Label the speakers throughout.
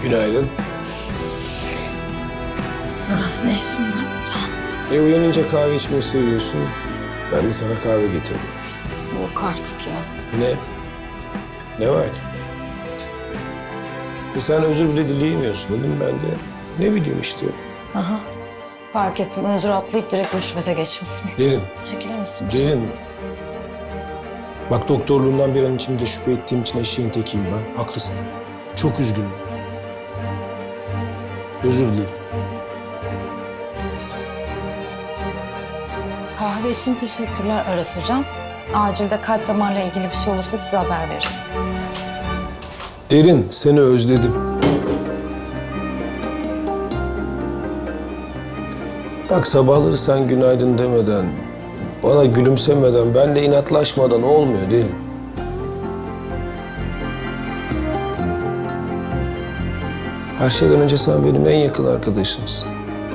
Speaker 1: Günaydın.
Speaker 2: Burası ne işin var burada?
Speaker 1: Uyanınca kahve içmeyi seviyorsun. Ben de sana kahve getirdim.
Speaker 2: Yok artık ya.
Speaker 1: Ne? Ne var ki? Sen özür bile dileyemiyorsun dedim ben de. Ne bileyim işte.
Speaker 2: Aha. Fark ettim. Özür atlayıp direkt rüşvete geçmişsin.
Speaker 1: Derin,
Speaker 2: Çekilir misin?
Speaker 1: derin. Bak doktorluğumdan bir an içinde şüphe ettiğim için eşeğin tekiyim ben. Haklısın. Çok üzgünüm. Özür dilerim.
Speaker 2: Kahve için teşekkürler Aras hocam. Acilde kalp damarla ilgili bir şey olursa size haber veririz.
Speaker 1: Derin, seni özledim. Bak sabahları sen günaydın demeden, bana gülümsemeden, benle inatlaşmadan olmuyor değil mi? Her şeyden önce sen benim en yakın arkadaşımsın.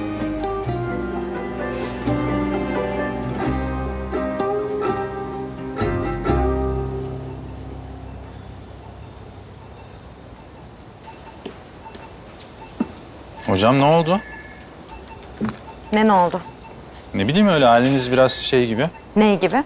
Speaker 3: Hocam ne oldu?
Speaker 4: Ne oldu?
Speaker 3: Ne bileyim öyle haliniz biraz şey gibi.
Speaker 4: Ne gibi?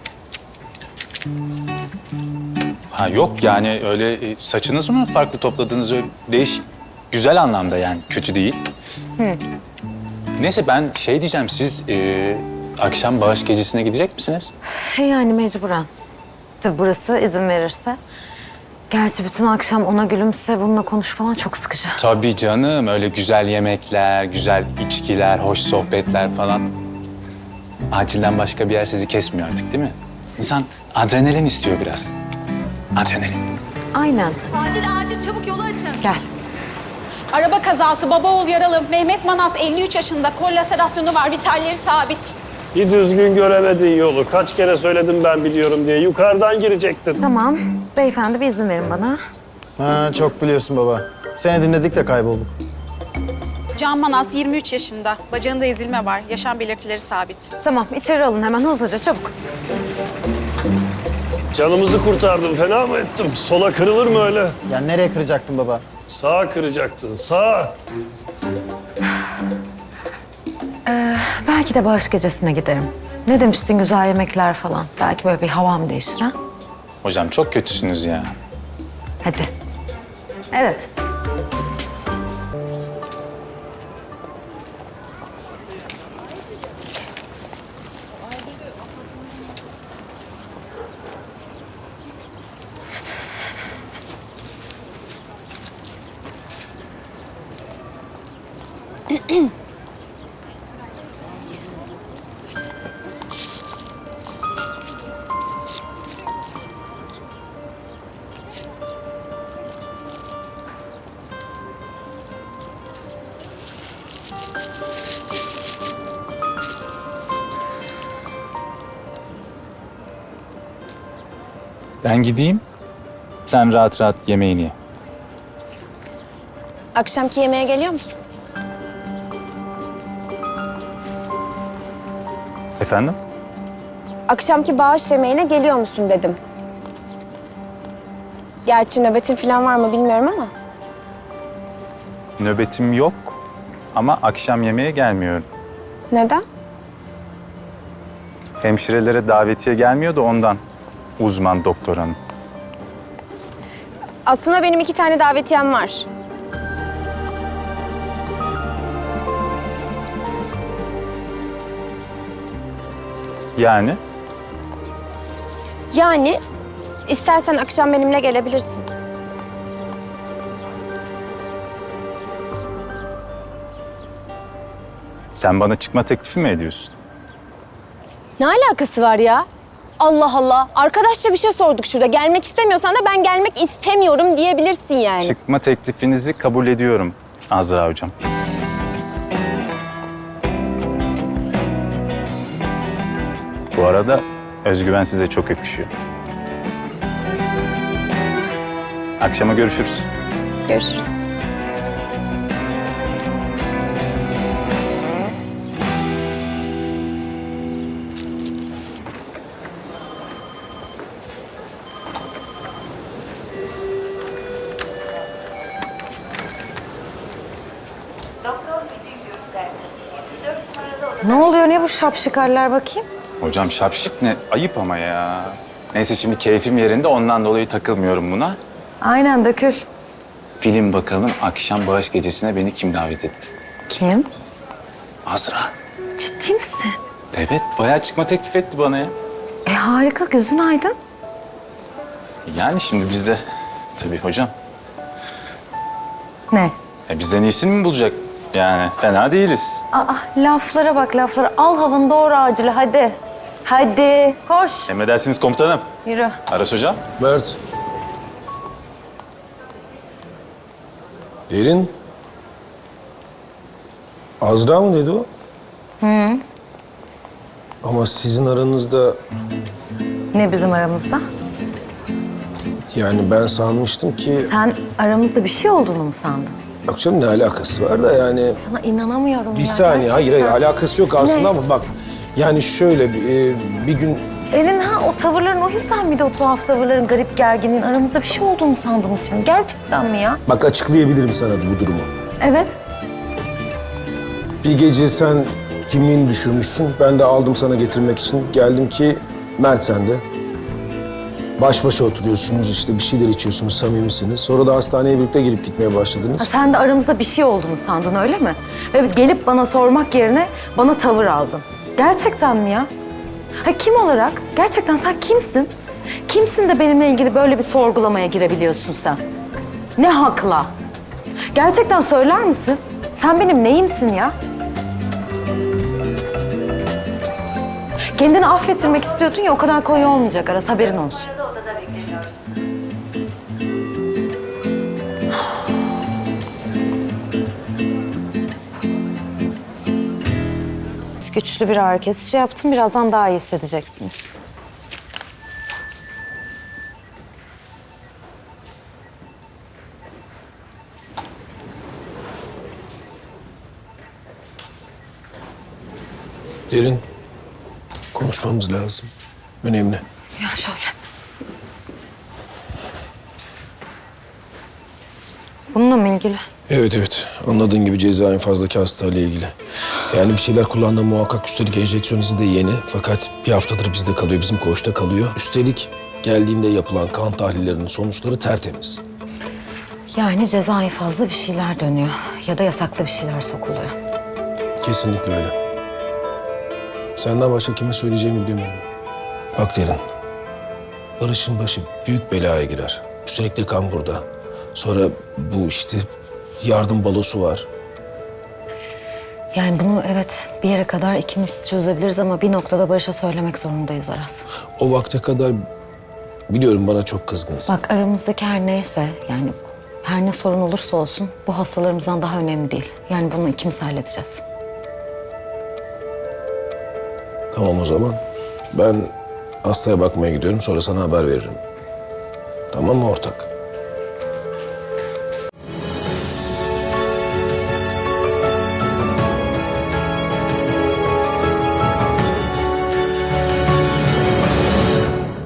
Speaker 3: Ha yok yani öyle saçınızı mı farklı topladınız öyle değişik. Güzel anlamda yani kötü değil. Neyse ben şey diyeceğim siz akşam bağış gecesine gidecek misiniz?
Speaker 4: Yani mecburen. Tabii burası izin verirse. Gerçi bütün akşam ona gülümse, bununla konuş falan çok sıkıcı.
Speaker 3: Tabii canım öyle güzel yemekler, güzel içkiler, hoş sohbetler falan. Acilden başka bir yer sizi kesmiyor artık değil mi? İnsan adrenalin istiyor biraz. Adrenalin.
Speaker 4: Aynen.
Speaker 5: Acil çabuk yolu açın.
Speaker 4: Gel.
Speaker 5: Araba kazası, baba oğul yaralı. Mehmet Manas 53 yaşında. Kol laserasyonu var, vitalleri sabit.
Speaker 6: Bir düzgün göremedin yolu. Kaç kere söyledim ben biliyorum diye. Yukarıdan girecektin.
Speaker 4: Tamam. Beyefendi bir izin verin bana.
Speaker 7: Ha, çok biliyorsun baba. Seni dinledik de kaybolduk.
Speaker 5: Can Manas 23 yaşında. Bacağında ezilme var. Yaşam belirtileri sabit.
Speaker 4: Tamam içeri alın hemen hızlıca çabuk.
Speaker 6: Canımızı kurtardım. Fena mı ettim? Sola kırılır mı öyle?
Speaker 7: Ya nereye kıracaktın baba?
Speaker 6: Sağa kıracaktın. Sağa.
Speaker 4: Belki de bağış gecesine giderim. Ne demiştin güzel yemekler falan. Belki böyle bir havam değişir ha.
Speaker 3: Hocam çok kötüsünüz ya.
Speaker 4: Hadi. Evet.
Speaker 3: Ben gideyim. Sen rahat rahat yemeğini ye.
Speaker 8: Akşamki yemeğe geliyor musun?
Speaker 3: Efendim?
Speaker 8: Akşamki bağış yemeğine geliyor musun dedim. Gerçi nöbetin falan var mı bilmiyorum ama.
Speaker 3: Nöbetim yok ama akşam yemeğe gelmiyorum.
Speaker 8: Neden?
Speaker 3: Hemşirelere davetiye gelmiyor da ondan. Uzman doktor hanım.
Speaker 8: Aslında benim 2 tane davetiyem var.
Speaker 3: Yani?
Speaker 8: Yani istersen akşam benimle gelebilirsin.
Speaker 3: Sen bana çıkma teklifi mi ediyorsun?
Speaker 8: Ne alakası var ya? Allah Allah. Arkadaşça bir şey sorduk şurada. Gelmek istemiyorsan da ben gelmek istemiyorum diyebilirsin yani.
Speaker 3: Çıkma teklifinizi kabul ediyorum Azra hocam. Bu arada özgüven size çok yakışıyor. Akşama görüşürüz.
Speaker 8: Görüşürüz.
Speaker 2: Ne oluyor? Ne bu şapşikaller bakayım?
Speaker 3: Hocam şapşık ne? Ayıp ama ya. Neyse şimdi keyfim yerinde ondan dolayı takılmıyorum buna.
Speaker 2: Aynen dökül.
Speaker 3: Film bakalım akşam bağış gecesine beni kim davet etti?
Speaker 2: Kim?
Speaker 3: Azra.
Speaker 2: Ciddi misin?
Speaker 3: Evet bayağı çıkma teklif etti bana ya.
Speaker 2: Harika, gözün aydın.
Speaker 3: Yani şimdi bizde tabii hocam.
Speaker 2: Ne?
Speaker 3: Bizden iyisini mi bulacak? Yani fena değiliz.
Speaker 2: Aa, laflara bak laflara. Al havanı doğru acile hadi. Hadi koş.
Speaker 3: Emredersiniz komutanım.
Speaker 2: Yürü.
Speaker 3: Aras hocam.
Speaker 1: Mert. Derin. Azra mı dedi o? Ama sizin aranızda,
Speaker 2: Ne bizim aramızda?
Speaker 1: yani ben sanmıştım ki...
Speaker 2: Sen aramızda bir şey olduğunu mu sandın?
Speaker 1: Yok canım, ne alakası var da yani...
Speaker 2: Sana inanamıyorum
Speaker 1: Bir
Speaker 2: ya.
Speaker 1: saniye, hayır
Speaker 2: gerçekten.
Speaker 1: alakası yok aslında
Speaker 2: Ne?
Speaker 1: ama bak... Yani şöyle bir gün...
Speaker 2: Senin o tavırların o yüzden miydi, o tuhaf tavırların, garip gerginliğin, aramızda bir şey olduğunu sandığın için? Gerçekten mi ya?
Speaker 1: Bak açıklayabilirim sana bu durumu.
Speaker 2: Evet.
Speaker 1: Bir gece sen kimliğini düşürmüşsün. Ben de aldım sana getirmek için. Geldim ki Mert sende. Baş başa oturuyorsunuz, işte bir şeyler içiyorsunuz, samimisiniz. Sonra da hastaneye birlikte gelip gitmeye başladınız.
Speaker 2: Ha, sen de aramızda bir şey olduğunu sandın öyle mi? Ve gelip bana sormak yerine bana tavır aldın. Gerçekten mi ya? Ha, kim olarak? Gerçekten sen kimsin? Kimsin de benimle ilgili böyle bir sorgulamaya girebiliyorsun sen? Ne hakla? Gerçekten söyler misin? Sen benim neyimsin ya? Kendini affettirmek istiyordun ya, o kadar kolay olmayacak Aras, haberin olsun. Güçlü bir ağrı kesici yaptım. Birazdan daha iyi hissedeceksiniz.
Speaker 1: Derin, konuşmamız lazım. Önemli.
Speaker 2: Ya şöyle. Bununla mı ilgili?
Speaker 1: Evet. Anladığın gibi ceza infazındaki hastayla ilgili. Yani bir şeyler kullandığım muhakkak. Üstelik enjeksiyon izi de yeni. Fakat bir haftadır bizde kalıyor, bizim koğuşta kalıyor. Üstelik geldiğinde yapılan kan tahlillerinin sonuçları tertemiz.
Speaker 2: Yani cezai fazla bir şeyler dönüyor. Ya da yasaklı bir şeyler sokuluyor.
Speaker 1: Kesinlikle öyle. Senden başka kime söyleyeceğimi bilemiyorum. Bak Derin, Barış'ın başı büyük belaya girer. Üstelik de kan burada. Sonra bu işte yardım balosu var.
Speaker 2: Yani bunu evet bir yere kadar ikimiz çözebiliriz ama bir noktada Barış'a söylemek zorundayız Aras.
Speaker 1: O vakte kadar biliyorum bana çok kızgınsın.
Speaker 2: Bak aramızdaki her neyse, yani her ne sorun olursa olsun bu hastalarımızdan daha önemli değil. Yani bunu ikimiz halledeceğiz.
Speaker 1: Tamam o zaman. Ben hastaya bakmaya gidiyorum, sonra sana haber veririm. Tamam mı ortak?